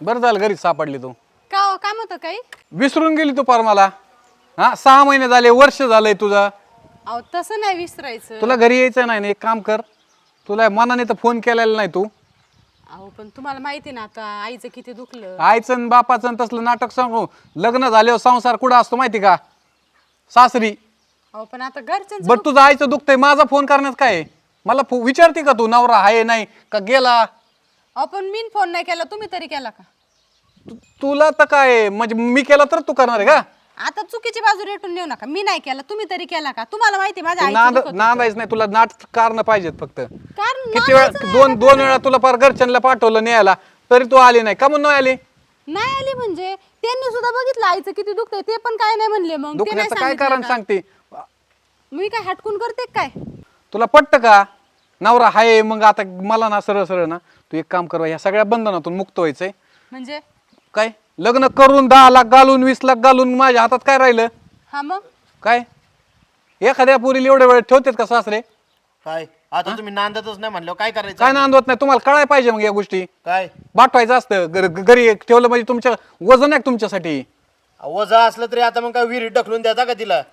बरं झालं घरीच सापडली तू. का हो, काम होतं काही? विसरून गेली तू पार मला. हा 6 महिने झाले, वर्ष झालंय तुझं. अहो तसं नाही विसरायचं. तुला घरी यायचं नाही ना, एक काम कर, तुला मनाने तर फोन केलेला नाही तू. अहो पण तुम्हाला माहिती ना आता आईचं किती दुखलं. आईचं आणि बापाचं आणि तसलं नाटक सांगू. लग्न झाल्यावर संसार कुठं असतो माहिती का? सासरी. अहो पण आता घरच्यांचं बरं तुझं आईचं दुखतंय, माझा फोन करण्यात काय आहे? मला विचारते का तू नवरा आहे नाही का गेला? अहो पण मी फोन नाही केला, तुम्ही तरी केला का? तुला तर काय म्हणजे मी केला तर तू करणार आहे का? आता चुकीची बाजू रेटून नेऊ नका. मी नाही केला, तुम्ही तरी केला का? तुम्हाला माहिती माझ्या आईचं दुखत होतं. नांदायच नाही तुला, नाट कारण पाहिजेत फक्त. कारण किती वेळा दोन वेळा तुला फार घरच्यांना पाठवलं न्यायला तरी तू आली नाही का? म्हणून नाही आली? नाही आली म्हणजे त्यांनी सुद्धा बघितलं आईचं किती दुखतंय, ते पण काय नाही म्हणले. मग ते नाही दुखण्याचं काय सांगितलं कारण का? सांगते? मी काय हटकून करते काय? तुला पटतं का? नवरा हाय मग आता मला ना सरळ सरळ ना तू एक काम कर, ह्या सगळ्या बंधनातून मुक्त व्हायचंय. म्हणजे काय लग्न करून 10 लाख घालून 20 लाख घालून माझ्या हातात काय राहिलं? हा मग काय एखाद्या पुरीला एवढे वेळ ठेवतात का सासरे? काय आता तुम्ही नांदतच नाही म्हणलं काय करायचं? काय नांदवत नाही तुम्हाला कळायला पाहिजे मग या गोष्टी. काय पाठवायचं असतं घरी ठेवलं म्हणजे तुमच्या वजन आहे तुमच्यासाठी. वजा असलं तरी आता मग काय विहिरीत ढकलून द्यायचा का तिला?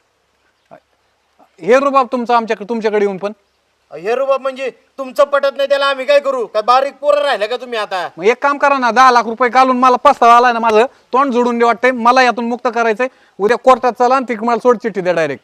हे रुबाब तुमचा तुमच्याकडे येऊन पण. हे रुबाब म्हणजे तुमचं पटत नाही त्याला आम्ही काय करू? काय बारीक पोरं राहिलं का तुम्ही आता? मग एक काम करा ना, 10 लाख रुपये घालून मला पस्तावा आलाय ना, माझं तोंड जोडून दे वाटतंय मला, यातून मुक्त करायचंय. उद्या कोर्टात चला आणि ती मला सोड चिठ्ठी द्या डायरेक्ट.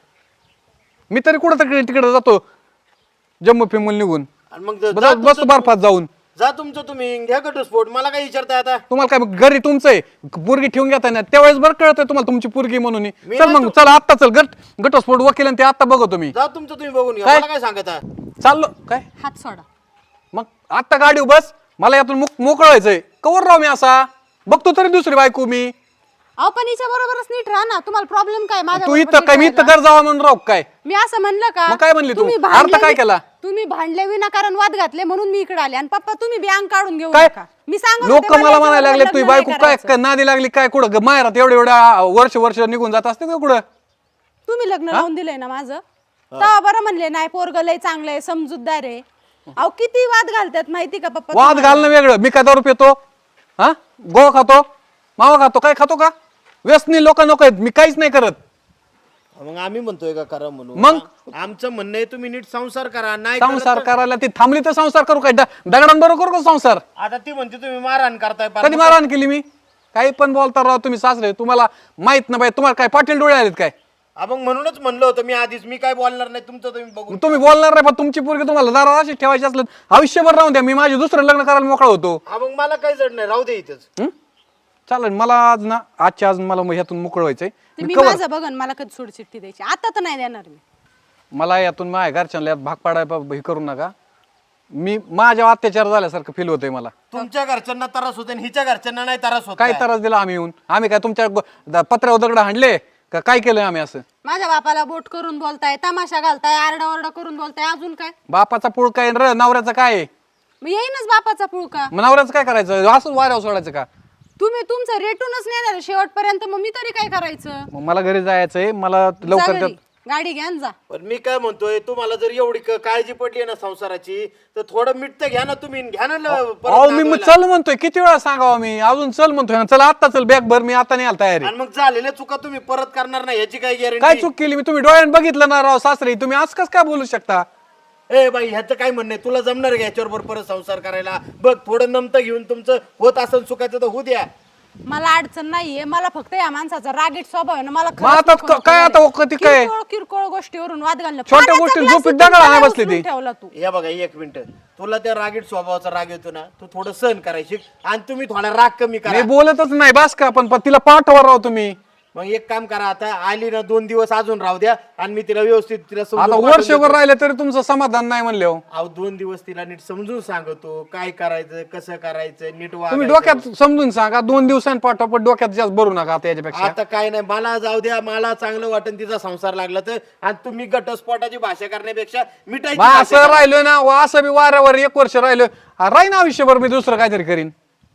मी तरी कुठं तरी तिकडे जातो जम्मू फिमून निघून आणि मग बस बर्फात जाऊन. जा तुमचं तुम्ही घ्या घटस्फोट, मला काय विचारताय आता? तुम्हाला काय घरी तुमचं आहे पोरगी ठेवून घेताय ना, त्यावेळेस बरं कळतंय तुम्हाला तुमची पोरगी म्हणून. मी चल ना मग चला आत्ता चल, घटस्फोट वकील आणि ते आत्ता बघतो मी. जा तुमचं तुम्ही बघून घ्या, काय? मला काय सांगता? चाललो काय हात सोडा. मग आत्ता गाडी बस, मला यातून मोकळायचंय. कवर राव मी असा बघतो तरी दुसरी बायको मी. अहो पण हिच्या बरोबरच नीट राहा ना. तुम्हाला प्रॉब्लेम काय माझ्या तू बरोबर इथं नीट काय मी राहायला? इथं घर जावा म्हणून राव काय? मी असं म्हणलं का? मग काय म्हणली तू? तुम्ही अर्थ भांडले काय केला? तुम्ही भांडले विनाकारण वाद घातले म्हणून मी इकडे आले. आणि पप्पा तुम्ही बी अंग काढून घेऊ काय नका. मी सांगत लोक होते, मला याच्या म्हणायला लागले बरोबर तुझी लग्न बायको नाही काय करायचं. नादी लागली काय? कुठं माहेरात एवढ्या वर्ष निघून जात असते का कुठं? तुम्ही लग्न लावून दिलंय ना माझं, तेव्हा बरं म्हणले नाही पोरग लय चांगलं आहे, समजूतदार आहे. अहो किती वाद घालतात माहिती का पप्पा? वाद घालणं वेगळं. मी काय दारू पितो? हा गोवा खातो, मावा खातो, काय खातो का? व्यसनी लोक नको आहेत, मी काहीच नाही करत. मग आम्ही म्हणतोय का करा म्हणून? मग? आमचं म्हणणं आहे तुम्ही नीट संसार करा. नाही संसार करायला ती थांबली तर संसार करू काय? दगडांबरोबर करू का संसार? आता ती म्हणते तुम्ही मारहाण करताय. कधी मारहाण केली मी? काही पण बोलता राव तुम्ही सासरे. तुम्हाला माहित नाही पाहिजे. तुम्हाला काय पाटील डोळे आलेत काय? मग म्हणूनच म्हणलं होतं मी आधीच, मी काय बोलणार नाही, तुमचं तुम्ही बघून. तुम्ही बोलणार नाही पण तुमची पोरगी तुम्हाला दारात अशी ठेवायची असलं आयुष्यभर राहून द्या. मी माझे दुसरं लग्न करायला मोकळा होतो. मग मला काही जड नाही, राहू दे इथंच. चालेल मला आज ना आजच्या आज मला ह्यातून मोकळ व्हायचंय. ते मी माझं बघन, मला कधी सोड चिठ्ठी द्यायची आता तर नाही देणार मी. मला यातून माझ्या घरच्यांना यात भाग पाडायला हे करू नका. मी माझ्या अत्याचार झाल्यासारखं फील होतंय मला. तुमच्या घरच्यांना त्रास होते आणि हिच्या घरच्यांना नाही त्रास होत. काय त्रास दिला आम्ही येऊन? आम्ही काय तुमच्या पत्र्यावर दगड हाणले का? काय केलंय आम्ही असं? माझ्या बापाला बोट करून बोलताय, तमाशा घालताय, आरडाओरडा करून बोलताय, अजून काय? बापाचा पुळ काय र नवऱ्याचं काय आहे? मग येईनच बापाचा पुळका. मग नवऱ्याचं काय करायचं? असं वाऱ्यावर सोडायचं का? तुम्ही तुमचं रेटूनच नेणार शेवटपर्यंत, मग मी तरी काय करायचं? मग मला घरी जायचंय. मला जा लवकर घरी, गाडी घ्या आणि जा. पण मी काय म्हणतोय, तुम्हाला जर एवढी काळजी पडली ना संसाराची, तर थोडं मीठ तर घ्या ना तुम्ही. घ्या ना परत अहो मी नागवायला. चल म्हणतोय, किती वेळा सांगावं मी? अजून चल म्हणतोय. चला आता चल, बॅग भर, मी आता नाही आला तयारी. आणि मग झालेल्या चुका तुम्ही परत करणार नाही याची काय काय गॅरंटी? चूक केली मी? तुम्ही डोळ्यानं बघितलं ना राव सासरे. तुम्ही आज कस काय बोलू शकता? ए बाई ह्याचं काय म्हणणं आहे? तुला जमणार का याच्यावर परत संसार करायला? बघ थोडं नमतं घेऊन तुमचं होत असेल चुकाचं तर होऊ द्या. मला अडचण नाहीये, मला फक्त या माणसाचा रागीट स्वभाव आहे ना. मला मग आता काय आता कधी काय? किरकोळ किरकोळ गोष्टीवरून वाद घालणं. छोट्या पाण्याचा गोष्टीत glass झोपेत उचलून दगड आणायला त्याला बसली ती. उचलून ठेवला तू. या बघा एक मिनिट, तुला त्या रागीट स्वभावाचा राग येतो ना, तू थोडं सहन करायची आणि तुम्ही थोडा राग कमी मी करा. बोलतच नाही बास का? पण तिला पाठवा राव तुम्ही. मग एक काम करा, आता आली ना 2 दिवस अजून राहू द्या आणि मी तिला व्यवस्थित तिला समजून आता पाठवून वर्षभर देतो. राहिले तरी तुमचं समाधान नाही म्हणले हो. अहो 2 दिवस तिला नीट समजून सांगतो काय करायचं, कसं करायचं, नीट तुम्ही वागायचं. डोक्यात समजून सांगा. 2 दिवसांनी पाठवा, पण डोक्यात जास्त भरू नका आता याच्यापेक्षा. आता काय नाही, मला जाऊ द्या, मला चांगलं वाटेल तिचा संसार लागला तर. आणि तुम्ही घटस्फोटाची भाषा करण्यापेक्षा मिठाई मग असं राहिलोय ना, असं बी वाऱ्यावर 1 वर्ष राहिलोय. राहीन आयुष्यभर मी दुसरं काहीतरी करीन.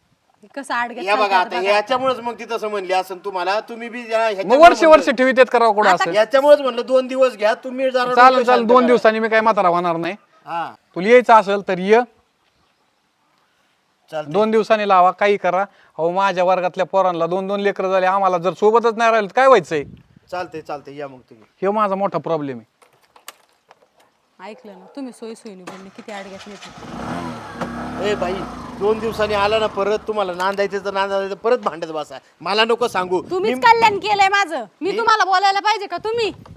कसं आडगत या बघा चालतात आता बघा. याच्यामुळेच मग ती तसं म्हणली असं तुम्हाला. तुम्ही बी जरा मग ह्याच्यामुळं वर्ष म्हणलं. ठेवीत करावं कुठं असं? याच्यामुळेच म्हणलं 2 दिवस घ्या तुम्ही जरा. चालेल डोकं चालेल, शांत 2 करा. दिवसांनी मी काय म्हातारा होणार नाही. हा तुला यायचं असेल तर ये. चालतंय. 2 दिवसांनी लावा, काही करा. अहो माझ्या वर्गातल्या पोरांना 2-2 लेकरं झाले, आम्हाला जर सोबतच नाही राहिलं तर काय व्हायचंय? चालते या मग तुम्ही. हे माझा मोठा प्रॉब्लेम आहे. ऐकलं ना तुम्ही, सोयीने बोलले, किती अडग्यात येते. ए बाई 2 दिवसांनी आला ना परत, तुम्हाला नांदायचं तर नांदायचं, परत भांडत बसा. मला नको सांगू. तुम्हीच कल्याण केलंय माझं. मी तुम्हाला बोलायला पाहिजे का? तुम्ही